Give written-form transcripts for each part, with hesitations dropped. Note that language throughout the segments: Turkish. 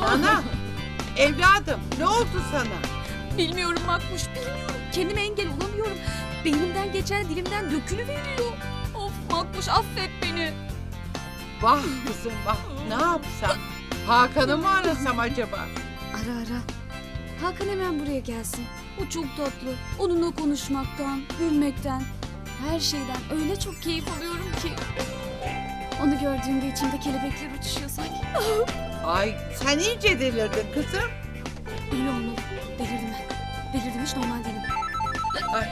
Ana, evladım ne oldu sana? Bilmiyorum Makbuş, bilmiyorum. Kendime engel olamıyorum. Beynimden geçen dilimden dökülüveriyor. Of Makbuş, affet beni. Vah kızım vah, ne yapsam? Hakan'ı mı arasam acaba? Ara ara. Hakan hemen buraya gelsin. O çok tatlı. Onunla konuşmaktan, gülmekten, her şeyden öyle çok keyif alıyorum ki. Onu gördüğümde içimde kelebekler uçuşuyor sanki. Ay sen iyice delirdin kızım. Öyle olmalı. Delirdim ben. Delirdim, hiç normal değilim. Ay.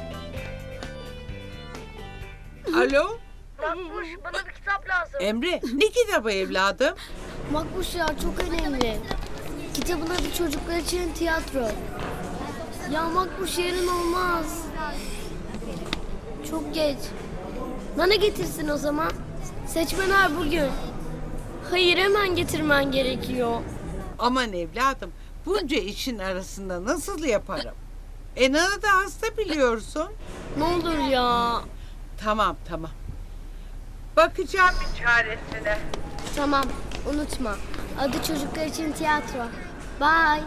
Alo, Makbuş, bana bir kitap lazım. Emre ne kitabı evladım? Makbuş ya, çok önemli. Kitabın adı Çocuklar için Tiyatro. Ya Makbuş, yarın olmaz. Çok geç. Nana getirsin o zaman. Seçmenler bugün. Hayır, hemen getirmen gerekiyor. Aman evladım, bunca işin arasında nasıl yaparım? Nana da hasta biliyorsun. Ne olur ya. Tamam tamam. Bakacağım bir çaresine. Tamam, unutma. Adı Çocuklar için Tiyatro. Bye.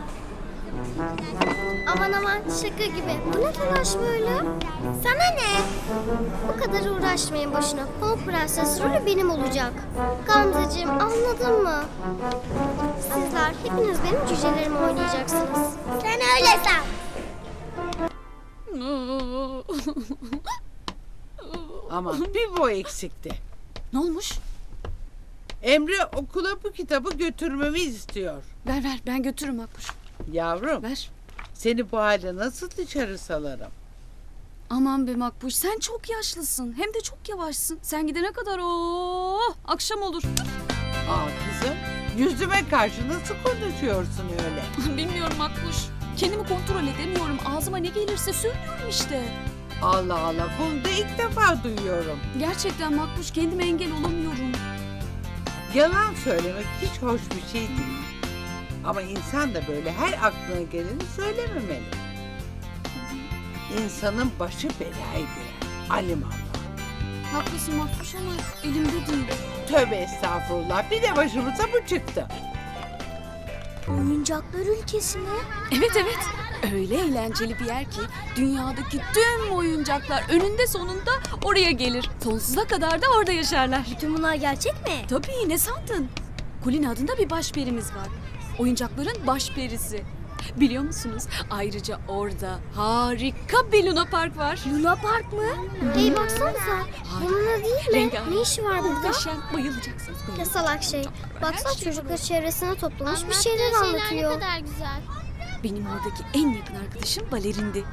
Aman aman, şaka gibi. Bu ne telaş böyle? Sana ne? Bu kadar uğraşmayın boşuna. Pamuk Prenses rolü benim olacak. Gamzeciğim, anladın mı? Sizler hepiniz benim cücelerimi oynayacaksınız. Sen öyle san. Ama bir bu eksikti. Ne olmuş? Emre okula bu kitabı götürmemi istiyor. Ver ver, ben götürürüm Makbuş. Yavrum, Ver. seni bu halde nasıl dışarı salarım? Aman be Makbuş, sen çok yaşlısın. Hem de çok yavaşsın. Sen gidene kadar akşam olur. Aa kızım, yüzüme karşı nasıl konuşuyorsun öyle? Bilmiyorum Makbuş. Kendimi kontrol edemiyorum. Ağzıma ne gelirse söylüyorum işte. Allah Allah, bunu da ilk defa duyuyorum. Gerçekten Makbuş, kendime engel olamıyorum. Yalan söylemek hiç hoş bir şey değil. Ama insan da böyle her aklına geleni söylememeli. İnsanın başı belaya girer. Alimallah. Haklısın Makbuş ama elimde değil. Tövbe estağfurullah. Bir de başımıza bu çıktı. Oyuncaklar ülkesi mi? Evet evet. Öyle eğlenceli bir yer ki dünyadaki tüm oyuncaklar önünde sonunda oraya gelir. Sonsuza kadar da orada yaşarlar. Bütün bunlar gerçek mi? Tabii, ne sandın? Kulina adında bir başperimiz var. Oyuncakların başperisi. Biliyor musunuz? Ayrıca orada harika bir Luna Park var. Luna Park mı? Hey baksanıza. Bununla değil mi? Rengarenk. Ne işi var burada? Muhteşem, bayılacaksınız. Ne salak şey. Baksana çocuklar çevresine toplamış bir şeyler anlatıyor. Ne kadar güzel. Benim oradaki en yakın arkadaşım balerindi.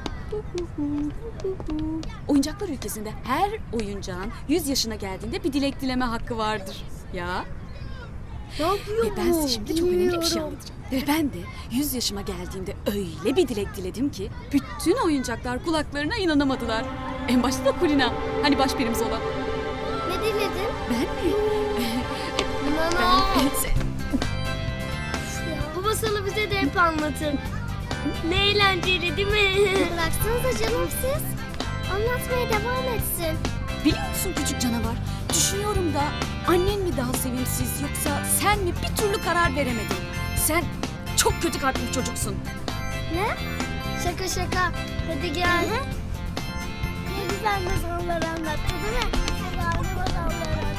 Oyuncaklar ülkesinde her oyuncağın 100 yaşına geldiğinde bir dilek dileme hakkı vardır. Ya. Ne yapıyor Ve ben size şimdi çok önemli bir şey anlatacağım. Ve ben de 100 yaşıma geldiğimde öyle bir dilek diledim ki bütün oyuncaklar kulaklarına inanamadılar. En başta da Kulina. Hani başperimiz olan. Ne diledin? Ben mi? Nana. Ben... Bu masalı bize de hep anlatın. Ne eğlenceli değil mi? Bıraksanıza canım siz. Anlatmaya devam etsin. Biliyor musun küçük canavar? Düşünüyorum da annen mi daha sevimsiz yoksa sen mi, bir türlü karar veremedin. Sen çok kötü kalpli bir çocuksun. Ne? Şaka şaka. Hadi gel. Ne güzel masallar anlattı değil mi? Güzel masallar anlattı.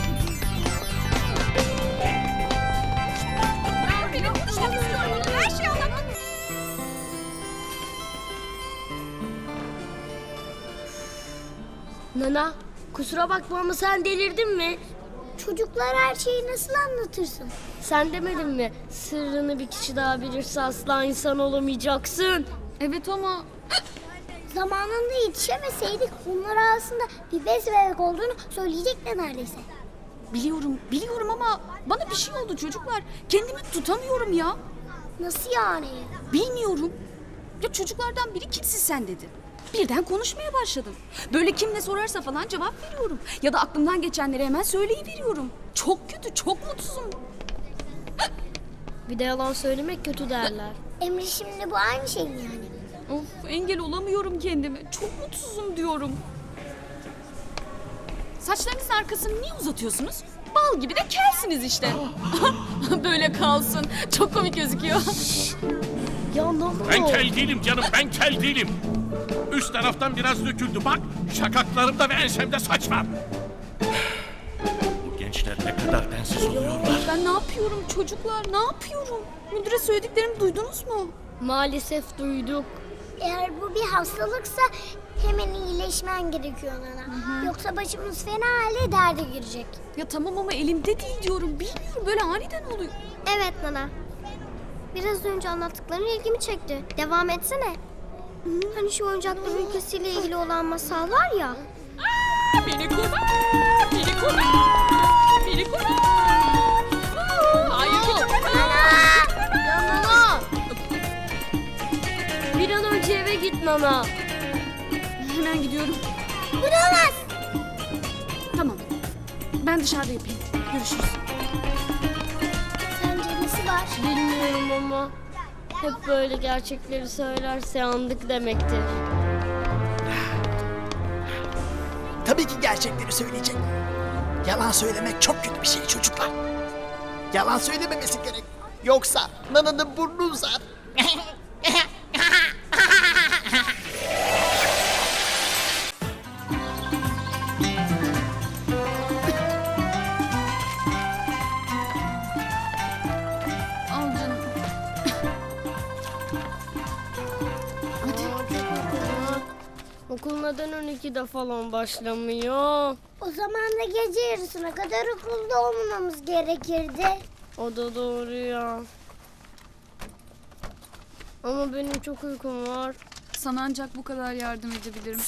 Benim konuşmak istiyorum. Her şeyi anlatmak. Nana, kusura bakma ama sen delirdin mi? Çocuklar her şeyi nasıl anlatırsın? Sen demedin mi? Sırrını bir kişi daha bilirse asla insan olamayacaksın. Evet ama Zamanında yetişemeseydik onlar arasında bir bez bebek olduğunu söyleyecekler neredeyse. biliyorum ama bana bir şey oldu çocuklar. Kendimi tutamıyorum ya. Nasıl yani? Bilmiyorum. Ya çocuklardan biri kimsin sen dedi. Birden konuşmaya başladım. Böyle kim ne sorarsa falan cevap veriyorum. Ya da aklımdan geçenleri hemen söyleyiveriyorum. Çok kötü, çok mutsuzum. Bir de yalan söylemek kötü derler. Emre şimdi bu aynı şey mi yani? Of, engel olamıyorum kendime. Çok mutsuzum diyorum. Saçlarınızın arkasını niye uzatıyorsunuz? Bal gibi de kelsiniz işte. Böyle kalsın. Çok komik gözüküyor. Ya ne oldu? Ben kel değilim canım, ben kel değilim. Üst taraftan biraz döküldü bak. Şakaklarımda ve ensemde saç var. Bu gençler ne kadar densiz oluyorlar. Ben ne yapıyorum çocuklar? Ne yapıyorum? Müdüre söylediklerimi duydunuz mu? Maalesef duyduk. Eğer bu bir hastalıksa hemen iyileşmen gerekiyor Nana. Yoksa başımız fena halde derde girecek. Ya tamam ama elimde değil diyorum. Bilmiyorum böyle aniden oluyor. Evet Nana. Biraz önce anlattıkların ilgimi çekti. Devam etsene. Hani şu oyuncaklar ülkesiyle ilgili olan masal var ya. Beni kurtar! Beni kurtar! Beni kurtar! Hayır Ya Nana! Bir an önce eve git Nana. Hemen gidiyorum. Bıramaz. Tamam. Ben dışarıda yapayım. Görüşürüz. Sence nesi var? Bilmiyorum ama hep böyle gerçekleri söylerse yandık demektir. Tabii ki gerçekleri söyleyecek. Yalan söylemek çok kötü bir şey çocuklar. Yalan söylememesi gerek. Yoksa Nana'nın burnu uzar. Al canım. Okul neden 12'de falan başlamıyor? O zaman da gece yarısına kadar okulda olmamamız gerekirdi. O da doğru ya. Ama benim çok uykum var. Sana ancak bu kadar yardım edebilirim.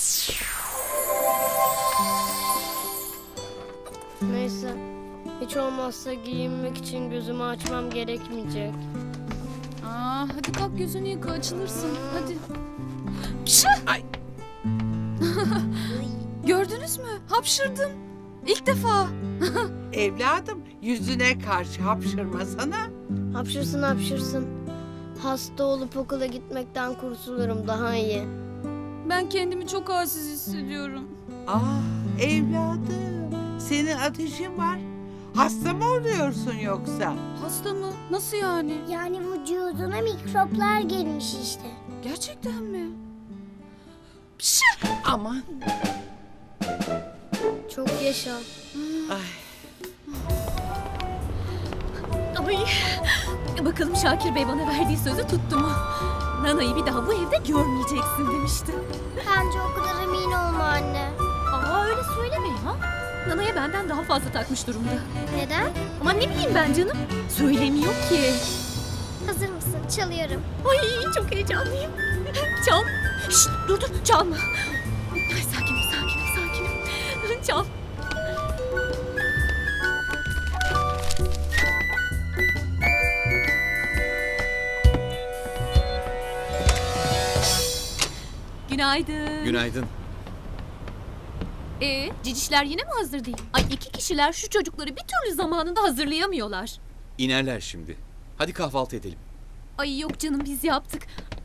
Neyse. Hiç olmazsa giyinmek için gözümü açmam gerekmeyecek. Aa, hadi kalk yüzünü yıka açılırsın. Hadi. Ay. Gördünüz mü? Hapşırdım. İlk defa. Evladım yüzüne karşı hapşırmasana. Hapşırsın hapşırsın. Hasta olup okula gitmekten kurtulurum daha iyi. Ben kendimi çok halsiz hissediyorum. Ah evladım senin ateşin var. Hasta mı oluyorsun yoksa? Hasta mı? Nasıl yani? Yani vücuduna mikroplar gelmiş işte. Gerçekten mi? Aman. Çok yaşa. Ay. Ay, bakalım Şakir Bey bana verdiği sözü tuttu mu? Nana'yı bir daha bu evde görmeyeceksin demişti. Bence o kadar emin olma anne. Aa öyle söyleme ya. Nana'ya benden daha fazla takmış durumda. Neden? Ama ne bileyim ben canım. Söylemiyor ki. Hazır mısın? Çalıyorum. Ay çok heyecanlıyım. Çal. Şşt, dur çalma. Ay, sakinim. Çal. Günaydın. Günaydın. Cicişler yine mi hazır değil? Ay iki kişiler şu çocukları bir türlü zamanında hazırlayamıyorlar. İnerler şimdi. Hadi kahvaltı edelim. Ay yok canım biz yaptık.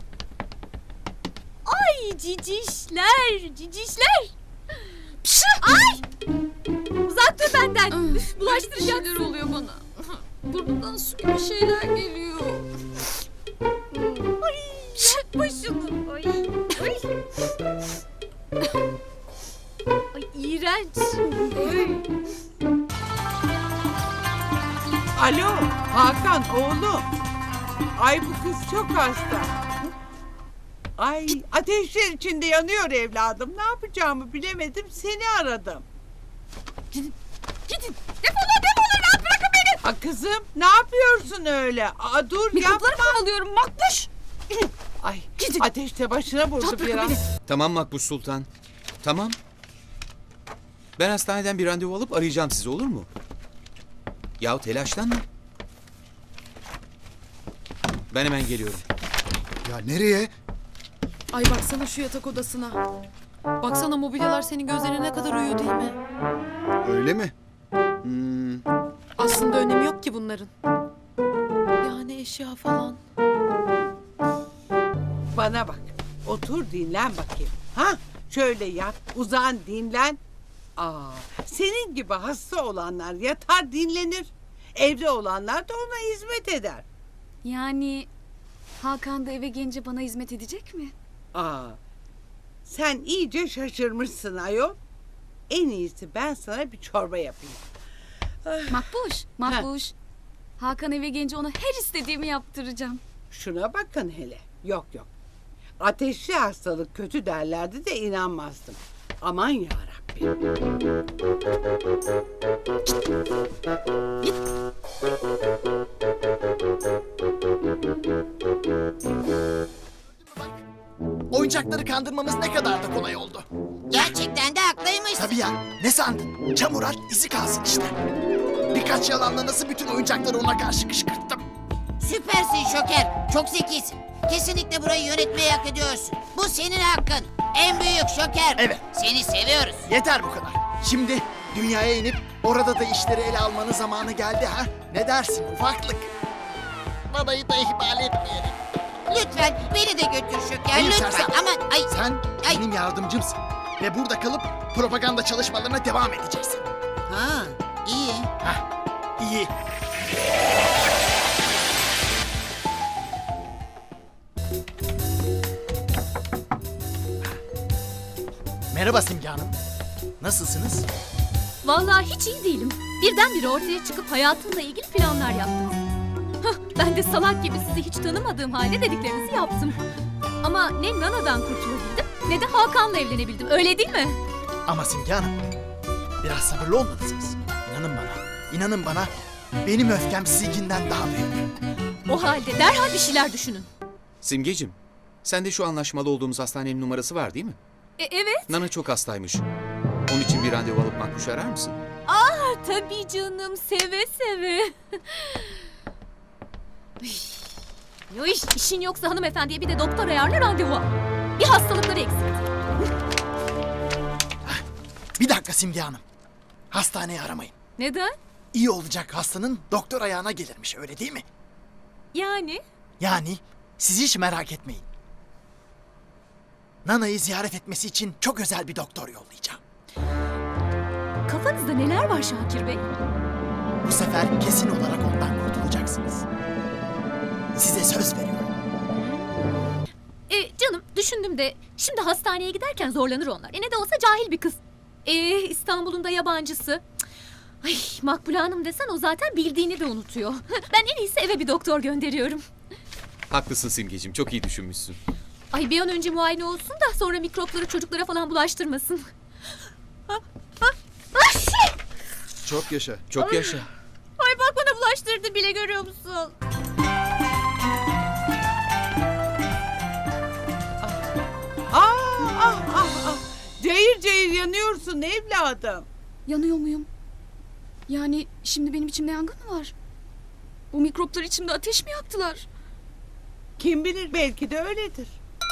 Ay cicişler. Pşı, ay! Uzak dur benden. Üf, Bir bulaştıracaksın. şeyler oluyor bana. Burnumdan su gibi şeyler geliyor. Ay yapma şunu. Ay. Ay iğrenç. Alo Hakan oğlum. Ay bu kız çok hasta. Ay ateşler içinde yanıyor evladım. Ne yapacağımı bilemedim seni aradım. Gidin. Defolun rahat bırakın beni. Ha kızım ne yapıyorsun öyle? Aa, dur Mikropları yapma. kovalıyorum makbuş. Ay Gidin. ateşte başına vurdu Rahat bırakın biraz. beni. Tamam Makbuş Sultan. Tamam. Ben hastaneden bir randevu alıp arayacağım sizi, olur mu? Yahu telaşlanma. Ben hemen geliyorum. Ya nereye? Ay baksana şu yatak odasına. Baksana mobilyalar senin gözlerine ne kadar uyuyor değil mi? Öyle mi? Aslında önemi yok ki bunların. Yani eşya falan. Bana bak otur dinlen bakayım. Ha şöyle yat uzan dinlen. Senin gibi hasta olanlar yatar dinlenir. Evde olanlar da ona hizmet eder. Yani Hakan da eve gelince bana hizmet edecek mi? Sen iyice şaşırmışsın ayol. En iyisi ben sana bir çorba yapayım. Makbuş. Hakan eve gelince ona her istediğimi yaptıracağım. Şuna bakın hele. Yok. Ateşli hastalık kötü derlerdi de inanmazdım. Aman yarabbim. Oyuncakları kandırmamız ne kadar da kolay oldu. Gerçekten de haklıymış. Tabii ya, ne sandın? Çamur at, izi kalsın işte. Birkaç yalanla nasıl bütün oyuncakları ona karşı kışkırttım. Süpersin Şoker. Çok zekisin. Kesinlikle burayı yönetmeyi hak ediyorsun. Bu senin hakkın. En büyük Şoker. Evet. Seni seviyoruz. Yeter bu kadar. Şimdi dünyaya inip orada da işleri ele almanın zamanı geldi ha? Ne dersin ufaklık? Babayı da ihmal etmeyelim. Lütfen beni de götür Şoker. Hayır, Lütfen. sersem. Aman ay. Sen Ay. benim yardımcımsın. Ve burada kalıp propaganda çalışmalarına devam edeceksin. Ha, iyi. Hah, iyi. Merhaba Simge Hanım. Nasılsınız? Vallahi hiç iyi değilim. Birdenbire ortaya çıkıp hayatımla ilgili planlar yaptım. Ben de salak gibi sizi hiç tanımadığım halde dediklerinizi yaptım. Ama ne Nana'dan kurtulabildim ne de Hakan'la evlenebildim. Öyle değil mi? Ama Simge Hanım, biraz sabırlı olmalısınız. İnanın bana, benim öfkem sizinkinden daha büyük. O halde derhal bir şeyler düşünün. Simgeciğim, sende şu anlaşmalı olduğumuz hastanenin numarası var değil mi? Evet. Nana çok hastaymış. Onun için bir randevu alıp Makbuş'u arar mısın? Tabii canım, seve seve. Yo işin yoksa hanımefendiye bir de doktor ayarla, randevu al. Bir hastalıkları eksikti. Bir dakika Simge Hanım. Hastaneyi aramayın. Neden? İyi olacak hastanın doktor ayağına gelirmiş, öyle değil mi? Yani? Yani siz hiç merak etmeyin. Nana'yı ziyaret etmesi için çok özel bir doktor yollayacağım. Kafanızda neler var Şakir Bey? Bu sefer kesin olarak ondan kurtulacaksınız. Size söz veriyorum. Canım düşündüm de şimdi hastaneye giderken zorlanır onlar. Ne de olsa cahil bir kız. İstanbul'un da yabancısı. Cık. Ay Makbule Hanım desen o zaten bildiğini de unutuyor. Ben en iyisi eve bir doktor gönderiyorum. Haklısın Simgeciğim, çok iyi düşünmüşsün. Ay bir an önce muayene olsun da sonra mikropları çocuklara falan bulaştırmasın. Çok yaşa. Çok yaşa. Ay bak bana bulaştırdı bile, görüyor musun? Cayır cayır yanıyorsun evladım. Yanıyor muyum? Yani şimdi benim içimde yangın mı var? Bu mikroplar içimde ateş mi yaktılar? Kim bilir, belki de öyledir.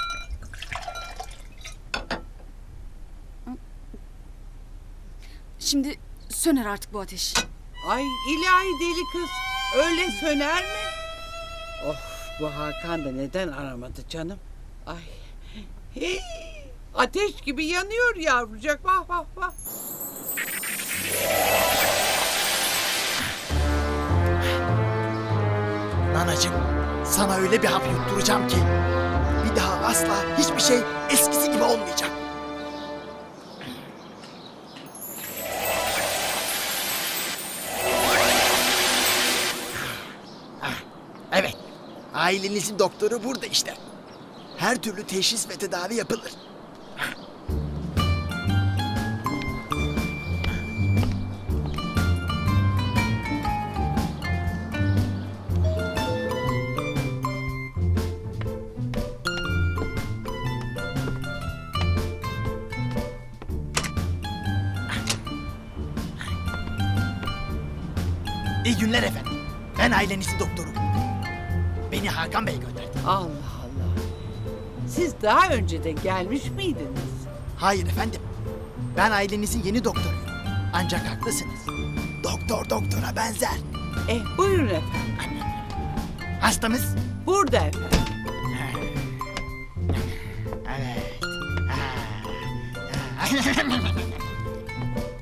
Şimdi söner artık bu ateş. Ay ilahi deli kız, öyle söner mi? Of, bu Hakan da neden aramadı canım? Ay, hey, ateş gibi yanıyor yavrucak, vah vah vah. Nanacığım, sana öyle bir hap yutturacağım ki bir daha asla hiçbir şey eskisi gibi olmayacak. Evet, ailenizin doktoru burada işte. Her türlü teşhis ve tedavi yapılır. İyi günler efendim. Ben ailenizin doktoruyum. Beni Hakan Bey gönderdi. Allah Allah. Siz daha önce de gelmiş miydiniz? Hayır efendim. Ben ailenizin yeni doktoruyum. Ancak haklısınız. Doktor doktora benzer. Buyurun efendim. Hastamız? Burada efendim. Evet.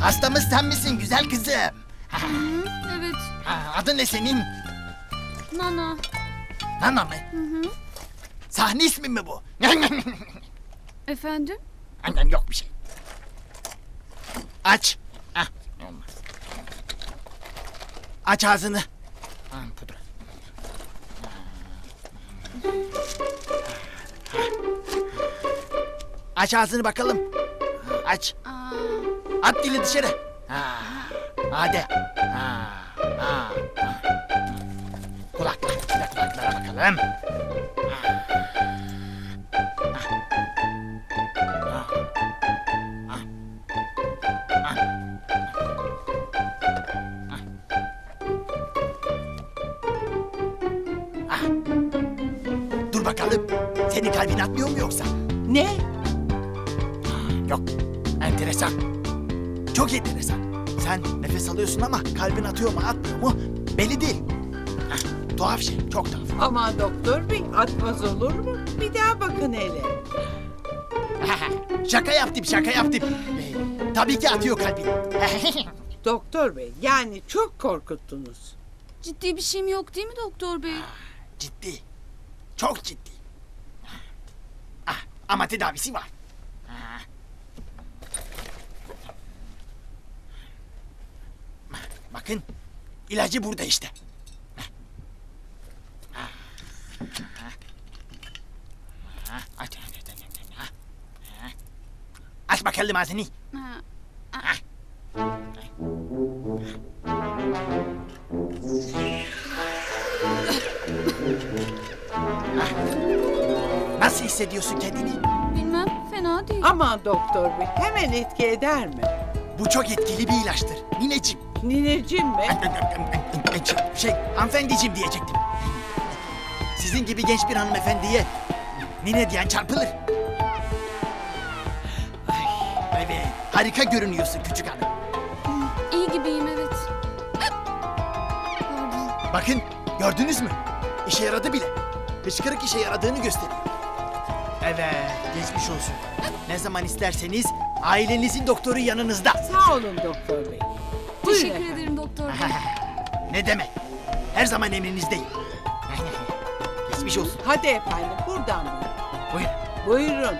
Hastamız sen misin güzel kızım? Evet. Adın ne senin? Nana. Nana mı? Sahne ismi mi bu? Efendim? Annem yok bir şey. Aç. Ah, olmaz. Aç ağzını. Pudra. Aç ağzını bakalım. Aç. At dili dışarı. Hadi. Kulaklara bakalım. Dur bakalım. Senin kalbin atmıyor mu yoksa? Ne? Yok. Enteresan. Çok enteresan. Sen nefes alıyorsun ama kalbin atıyor mu atmıyor mu belli değil. Tuhaf şey. Çok tuhaf. Aman doktor bey, atmaz olur mu? Bir daha bakın hele. Şaka yaptım. Tabii ki atıyor kalbin. Doktor bey, yani çok korkuttunuz. Ciddi bir şeyim yok değil mi doktor bey? Ciddi. Çok ciddi. Ama tedavisi var. Bakın, ilacı burada işte. Aç bakalım ağzını. Nasıl hissediyorsun kendini? Bilmem, fena değil. Aman doktor bey, hemen etki eder mi? Bu çok etkili bir ilaçtır. Nineciğim. Nineciğim mi? Hanımefendiciğim diyecektim. Sizin gibi genç bir hanımefendiye nine diyen çarpılır. Evet, harika görünüyorsun küçük hanım. İyi gibiyim evet. Pardon. Bakın, gördünüz mü? İşe yaradı bile. Hıçkırık işe yaradığını gösteriyor. Evet, geçmiş olsun. Ne zaman isterseniz ailenizin doktoru yanınızda. Sağ olun doktor bey. Buyurun Teşekkür efendim. ederim doktor bey. Ne demek? Her zaman emrinizdeyim. Geçmiş olsun. Hadi efendim, buradan buyurun. Buyurun. Buyurun.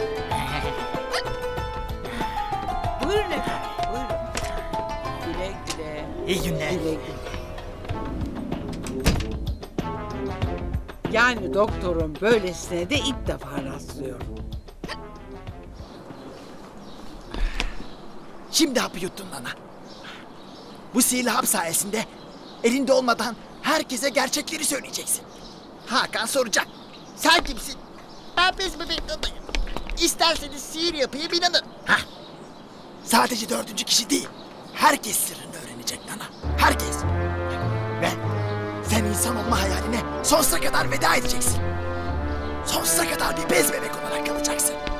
Buyurun efendim, buyurun. Güle güle. İyi günler. Güle güle. Yani doktorun böylesine de ilk defa rastlıyorum. Şimdi hapı yuttun Nana. Bu sihirli hap sayesinde elinde olmadan herkese gerçekleri söyleyeceksin. Hakan soracak. Sen kimsin? Ben bez bebek Nana'yım. İsterseniz sihir yapayım inanın. Sadece 4. kişi değil. Herkes sırrını öğrenecek Nana. Herkes. Ve sen insan olma hayaline sonsuza kadar veda edeceksin. Sonsuza kadar bir bez bebek olarak kalacaksın.